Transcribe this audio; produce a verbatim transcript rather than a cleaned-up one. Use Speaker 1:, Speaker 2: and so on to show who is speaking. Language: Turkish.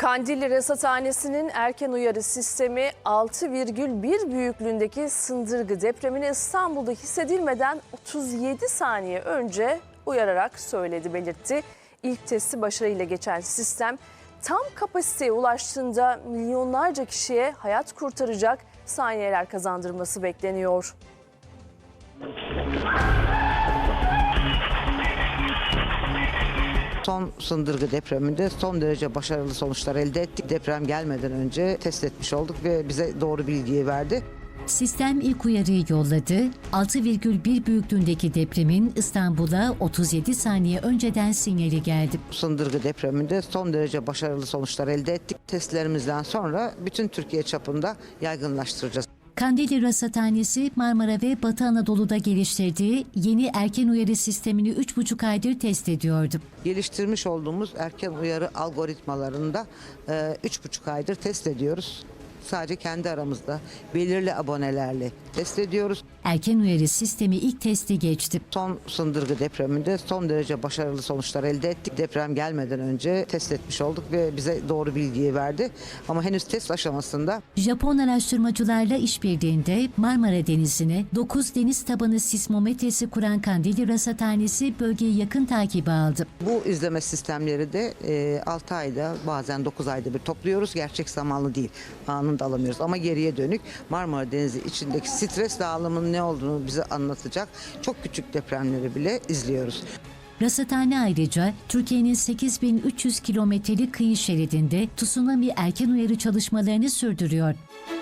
Speaker 1: Kandilli Rasathanesi'nin erken uyarı sistemi altı virgül bir büyüklüğündeki Sındırgı depremini İstanbul'da hissedilmeden otuz yedi saniye önce uyararak söyledi, belirtti. İlk testi başarıyla geçen sistem tam kapasiteye ulaştığında milyonlarca kişiye hayat kurtaracak saniyeler kazandırması bekleniyor.
Speaker 2: Son Sındırgı depreminde son derece başarılı sonuçlar elde ettik. Deprem gelmeden önce test etmiş olduk ve bize doğru bilgiyi verdi.
Speaker 3: Sistem ilk uyarıyı yolladı. altı virgül bir büyüklüğündeki depremin İstanbul'a otuz yedi saniye önceden sinyali geldi.
Speaker 2: Sındırgı depreminde son derece başarılı sonuçlar elde ettik. Testlerimizden sonra bütün Türkiye çapında yaygınlaştıracağız.
Speaker 3: Kandilli Rasathanesi, Marmara ve Batı Anadolu'da geliştirdiği yeni erken uyarı sistemini üç buçuk aydır test ediyordu.
Speaker 2: Geliştirmiş olduğumuz erken uyarı algoritmalarında üç buçuk aydır test ediyoruz. Sadece kendi aramızda belirli abonelerle test ediyoruz.
Speaker 3: Erken uyarı sistemi ilk testi geçti.
Speaker 2: Son Sındırgı depreminde son derece başarılı sonuçlar elde ettik. Deprem gelmeden önce test etmiş olduk ve bize doğru bilgiyi verdi. Ama henüz test aşamasında.
Speaker 3: Japon araştırmacılarla işbirliğinde Marmara Denizi'ne dokuz deniz tabanı sismometresi kuran Kandilli Rasathanesi bölgeyi yakın takibe aldı.
Speaker 2: Bu izleme sistemleri de altı ayda bazen dokuz ayda bir topluyoruz. Gerçek zamanlı değil. Anında alamıyoruz ama geriye dönük Marmara Denizi içindeki stres dağılımının ne olduğunu bize anlatacak çok küçük depremleri bile izliyoruz.
Speaker 3: Rasathane ayrıca Türkiye'nin sekiz bin üç yüz kilometrelik kıyı şeridinde tsunami erken uyarı çalışmalarını sürdürüyor.